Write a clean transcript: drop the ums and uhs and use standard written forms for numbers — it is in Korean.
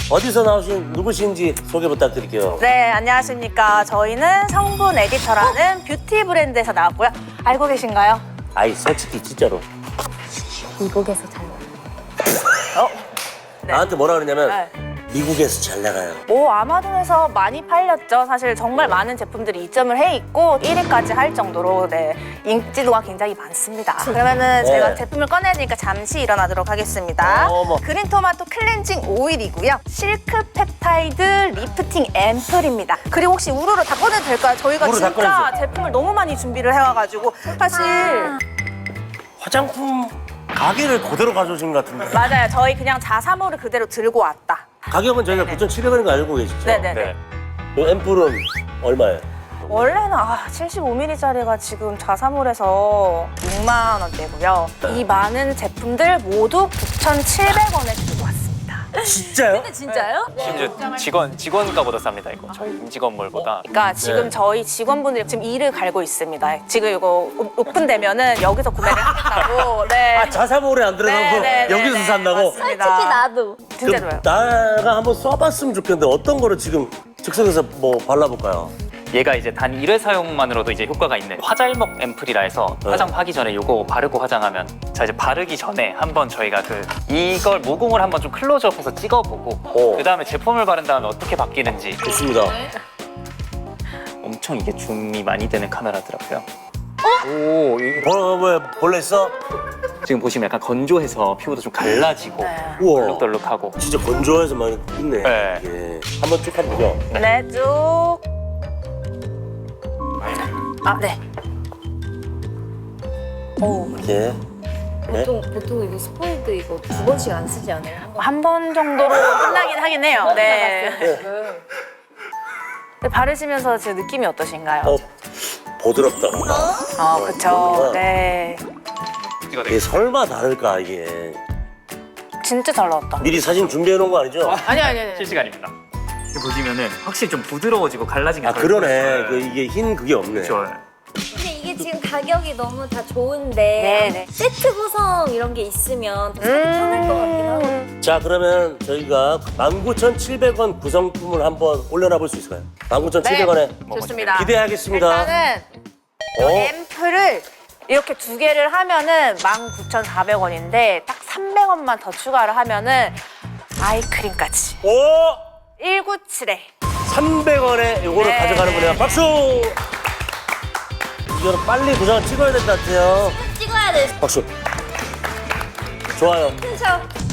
어디서 나오신 누구신지 소개 부탁드릴게요. 네, 안녕하십니까. 저희는 성분 에디터라는 뷰티 브랜드에서 나왔고요. 알고 계신가요? 아이 솔직히 진짜로 미국에서 잘 나와요. 나한테 뭐라 그러냐면 네. 미국에서 잘 나가요. 뭐 아마존에서 많이 팔렸죠. 사실 정말 많은 제품들이 입점을 해 있고 1위까지 할 정도로 네, 인지도가 굉장히 많습니다. 그러면은 제가 제품을 꺼내니까 잠시 일어나도록 하겠습니다. 어머. 그린토마토 클렌징 오일이고요. 실크 펩타이드 리프팅 앰플입니다. 그리고 혹시 우르르 다 꺼내도 될까요? 저희가 우르르 다 진짜 꺼내주세요. 제품을 너무 많이 준비를 해와가지고 사실 화장품 가게를 그대로 가져오신 것 같은데. 맞아요. 저희 그냥 자사모를 그대로 들고 왔다. 가격은 저희가 9,700원인 거 알고 계시죠? 네네네. 이 앰플은 얼마예요? 원래는 75ml짜리가 지금 자사몰에서 6만 원대고요. 이 많은 제품들 모두 9,700원에 들고 왔습니다. 진짜요? 진짜요? 심지어 직원가보다 쌉니다 이거 저희 임직원몰보다. 그러니까 지금 네. 저희 직원분들이 지금 이를 갈고 있습니다. 지금 이거 오픈되면은 여기서 구매를 하겠다고. 네. 아 자사몰에 안 들어가고 여기서 산다고? 맞습니다. 솔직히 나도. 진짜 좋아요. 나가 한번 써봤으면 좋겠는데 어떤 거를 지금 즉석에서 뭐 발라볼까요? 얘가 이제 단 1회 사용만으로도 이제 효과가 있는 화잘먹 앰플이라 해서 화장하기 전에 요거 바르고 화장하면 자 이제 바르기 전에 한번 저희가 이걸 모공을 한번 좀 클로즈업해서 찍어보고 그 다음에 제품을 바른 다음에 어떻게 바뀌는지. 좋습니다. 엄청 이게 줌이 많이 되는 카메라더라고요. 오, 이게 왜 벌레 있어? 지금 보시면 약간 건조해서 피부도 좀 갈라지고 우와. 얼룩덜룩하고. 진짜 건조해서 많이 있네. 네. 이게. 한번 쭉 한번 보죠. 네, 쭉. 아, 네. 오. 이렇게. 네. 보통 이거 스포일드 이거 2번씩 안 쓰지 않아요? 한 번 정도로 끝나긴 하긴 해요. 네. 근데 바르시면서 제 느낌이 어떠신가요? 부드럽다. 그쵸. 네. 이게 설마 다를까 이게. 진짜 잘 나왔다. 미리 사진 준비해 놓은 거 아니죠? 아니. 실시간입니다. 이렇게 보시면은 확실히 좀 부드러워지고 갈라진 게 아 덜 그러네. 보여요. 이게 흰 그게 없네. 그렇죠. 근데 이게 지금 가격이 너무 다 좋은데 네네. 세트 구성 이런 게 있으면 더 사기 편할 것 같긴 하고. 자 그러면 저희가 19,700원 구성품을 한번 올려놔 볼 수 있을까요? 19,700원에 좋습니다. 기대하겠습니다. 일단은 이 앰플을 이렇게 두 개를 하면은 19,400원인데 딱 300원만 더 추가를 하면은 아이크림까지 오! 197에 300원에 요거를 네. 가져가는 거네요. 박수! 이거는 빨리 도장을 찍어야 될 것 같아요. 찍어야 돼. 박수. 좋아요. 그쵸?